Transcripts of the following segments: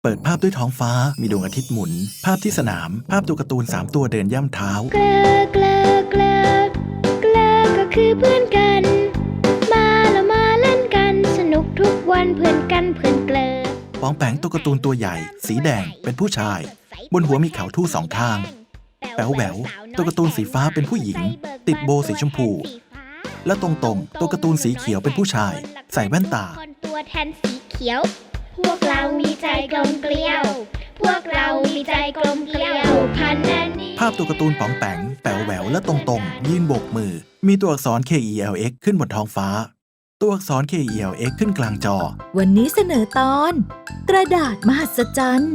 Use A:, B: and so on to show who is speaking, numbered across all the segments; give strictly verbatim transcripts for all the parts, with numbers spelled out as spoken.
A: เปิดภาพด้วยท้องฟ้ามีดวงอาทิตย์หมุนภาพที่สนามภาพตัวการ์ตูนสามตัวเดินย่ำเท้า
B: เกลอเกลอเกลอเกลอก็คือเพื่อนกันมาแล้วมาเล่นกันสนุกทุกวันเพื่อนกันเพื่อนเกลอ
A: ปองแปงตัวการ์ตูนตัวใหญ่สีแดงเป็นผู้ชายบนหัวมีเขาทู่สองข้างแป๋วแหววตัวการ์ตูนสีฟ้าเป็นผู้หญิงติดโบว์สีชมพูและตรงตรงตัวการ์ตูนสีเขียวเป็นผู้ชายใส่แว่นตา
B: คนตัวแทนสีเขียวพวกเรามีใจกลมเกลียวพวกเรามีใจกลมเกลียวพันนันนี้
A: ภาพตัวการ์ตูนป๋องแปงแป๋วแหววและตรงตรงยืนโบกมือมีตัวอักษร เค อี แอล เอ็กซ์ ขึ้นบนท้องฟ้าตัวอักษร เค อี แอล เอ็กซ์ ขึ้นกลางจอ
C: วันนี้เสนอตอนกระดาษมหัศจรรย์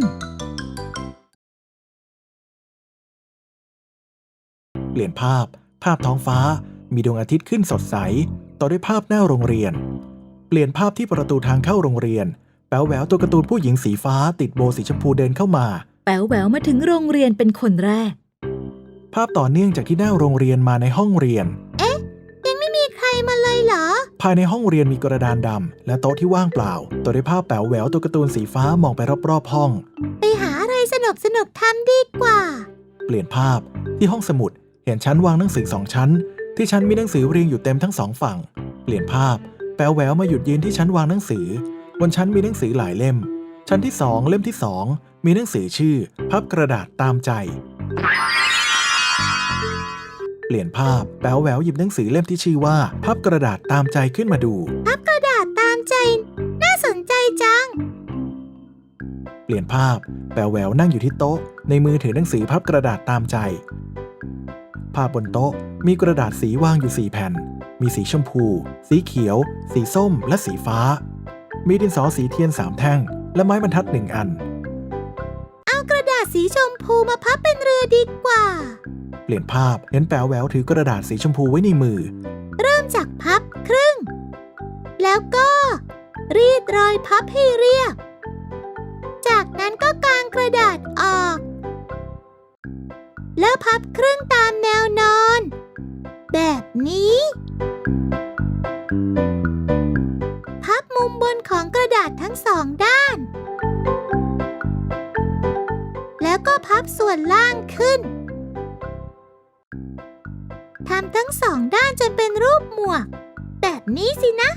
A: เปลี่ยนภาพภาพท้องฟ้ามีดวงอาทิตย์ขึ้นสดใสต่อด้วยภาพหน้าโรงเรียนเปลี่ยนภาพที่ประตูทางเข้าโรงเรียนแป๋วแหววตัวการ์ตูนผู้หญิงสีฟ้าติดโบว์สีชมพูเดินเข้ามา
C: แป๋วแหววมาถึงโรงเรียนเป็นคนแรก
A: ภาพต่อเนื่องจากที่หน้าโรงเรียนมาในห้องเรียน
B: เอ๊ะยังไม่มีใครมาเลยเหรอ
A: ภายในห้องเรียนมีกระดานดำและโต๊ะที่ว่างเปล่าต่อด้วยภาพแป๋วแหววตัวการ์ตูนสีฟ้ามองไปรอบๆห้อง
B: ไปหาอะไรสนุกสนุกทำดีกว่า
A: เปลี่ยนภาพที่ห้องสมุดเห็นชั้นวางหนังสือสองชั้นที่ชั้นมีหนังสือเรียงอยู่เต็มทั้งสองฝั่งเปลี่ยนภาพแป๋วแหววมาหยุดยืนที่ชั้นวางหนังสือบนชั้นมีหนังสือหลายเล่มชั้นที่สองเล่มที่สองมีหนังสือชื่อพับกระดาษตามใจเปลี่ยนภาพแป๋วแหววหยิบหนังสือเล่มที่ชื่อว่าพับกระดาษตามใจขึ้นมาดู
B: พับกระดาษตามใจน่าสนใจจัง
A: เปลี่ยนภาพแป๋วแหววนั่งอยู่ที่โต๊ะในมือถือหนังสือพับกระดาษตามใจภาพบนโต๊ะมีกระดาษสีวางอยู่สี่แผ่นมีสีชมพูสีเขียวสีส้มและสีฟ้ามีดินสอสีเทียนสามแท่งและไม้บรรทัดหนึ่งอัน
B: เอากระดาษสีชมพูมาพับเป็นเรือดีกว่า
A: เปลี่ยนภาพเห็นแป๋วแหววถือกระดาษสีชมพูไว้ในมือ
B: เริ่มจากพับครึ่งแล้วก็รีดรอยพับให้เรียบจากนั้นก็กางกระดาษออกแล้วพับครึ่งตามแนวนอนแบบนี้พับมุมบนของกระดาษทั้งสองด้านแล้วก็พับส่วนล่างขึ้นทำทั้งสองด้านจนเป็นรูปหมวกแบบนี้สินะ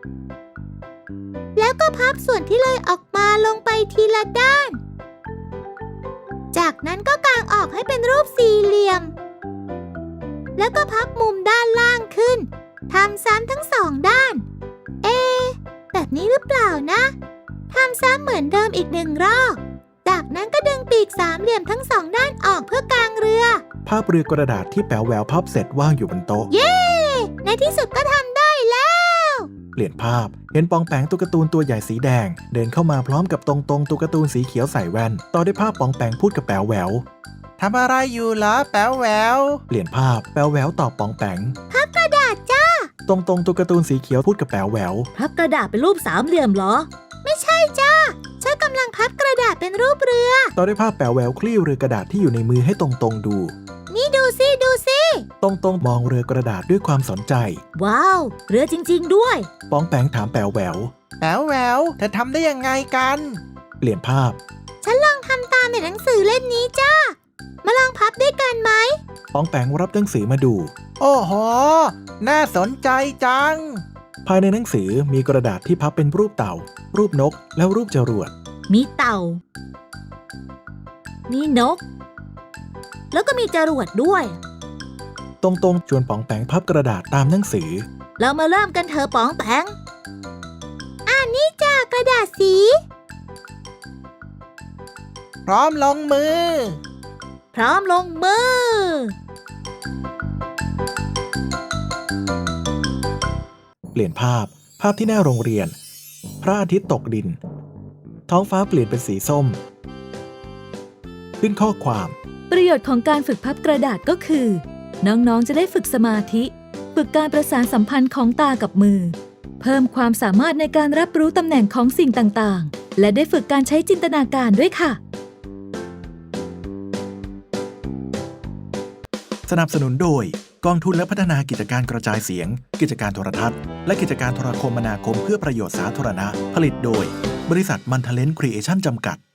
B: แล้วก็พับส่วนที่เลยออกมาลงไปทีละด้านจากนั้นก็กางออกให้เป็นรูปสี่เหลี่ยมแล้วก็พับมุมด้านล่างขึ้นทำซ้ำทั้งสองด้านเอ๊ะแบบนี้หรือเปล่านะทำซ้ำเหมือนเดิมอีกหนึ่งรอบจากนั้นก็ดึงปีกสามเหลี่ยมทั้งสองด้านออกเพื่อกางเรือ
A: ภาพเรือกระดาษที่แป๋วแหววพับเสร็จว่างอยู่บนโต๊ะ
B: เย้ในที่สุดก็ทำได้แล้ว
A: เปลี่ยนภาพเห็นปองแปงตัวการ์ตูนตัวใหญ่สีแดงเดินเข้ามาพร้อมกับตรงตรงตัวการ์ตูนสีเขียวใส่แว่นต่อด้วยภาพปองแปงพูดกับแป๋วแหวว
D: ทำอะไรอยู่เหรอแป๋วแหวว
A: เปลี่ยนภาพแป๋วแหววตอบปองแปง
B: พับกระดาษจ้า
A: ตรงตรงตัวการ์ตูนสีเขียวพูดกับแป๋วแหวว
C: พับกระดาษเป็นรูปสามเหลี่ยมเหรอ
B: ไม่ใช่จ้าฉันกำลังพับกระดาษเป็นรูปเรือ
A: ต่อด้วยภาพแป๋วแหววคลี่เรือกระดาษที่อยู่ในมือให้ตรงตรงดู
B: นี่ดูสิดูสิ
A: ตรงตรงมองเรือกระดาษด้วยความสนใจ
C: ว้าวเรือจริงๆด้วย
A: ปองแปงถามแป๋วแหวว
D: แป๋วแหววเธอทำได้ยังไงกัน
A: เปลี่ยนภาพ
B: ฉันลองทำตามในหนังสือเล่มนี้จ้ามาลองพับด้วยกันไหม
A: ปองแปงรับหนังสือมาดู
D: โอ้โหน่าสนใจจัง
A: ภายในหนังสือมีกระดาษที่พับเป็นรูปเต่ารูปนกและรูปจรวด
C: มีเต่ามีนกแล้วก็มีจรวดด้วย
A: ตรงๆชวนป๋องแปงพับกระดาษตามหนังสือ
C: เรามาเริ่มกันเถอะป๋องแปง
B: อ่านี่จ้ากระดาษสี
D: พร้อมลงมือ
C: พร้อมลงมือ
A: เปลี่ยนภาพภาพที่หน้าโรงเรียนพระอาทิตย์ตกดินท้องฟ้าเปลี่ยนเป็นสีส้มขึ้นข้อความ
C: ประโยชน์ของการฝึกพับกระดาษก็คือน้องๆจะได้ฝึกสมาธิฝึกการประสานสัมพันธ์ของตากับมือเพิ่มความสามารถในการรับรู้ตำแหน่งของสิ่งต่างๆและได้ฝึกการใช้จินตนาการด้วยค่ะ
A: สนับสนุนโดยกองทุนและพัฒนากิจการกระจายเสียงกิจการโทรทัศน์และกิจการโทรคมนาคมเพื่อประโยชน์สาธารณะผลิตโดยบริษัทมันทะเลนครีเอชั่นจำกัด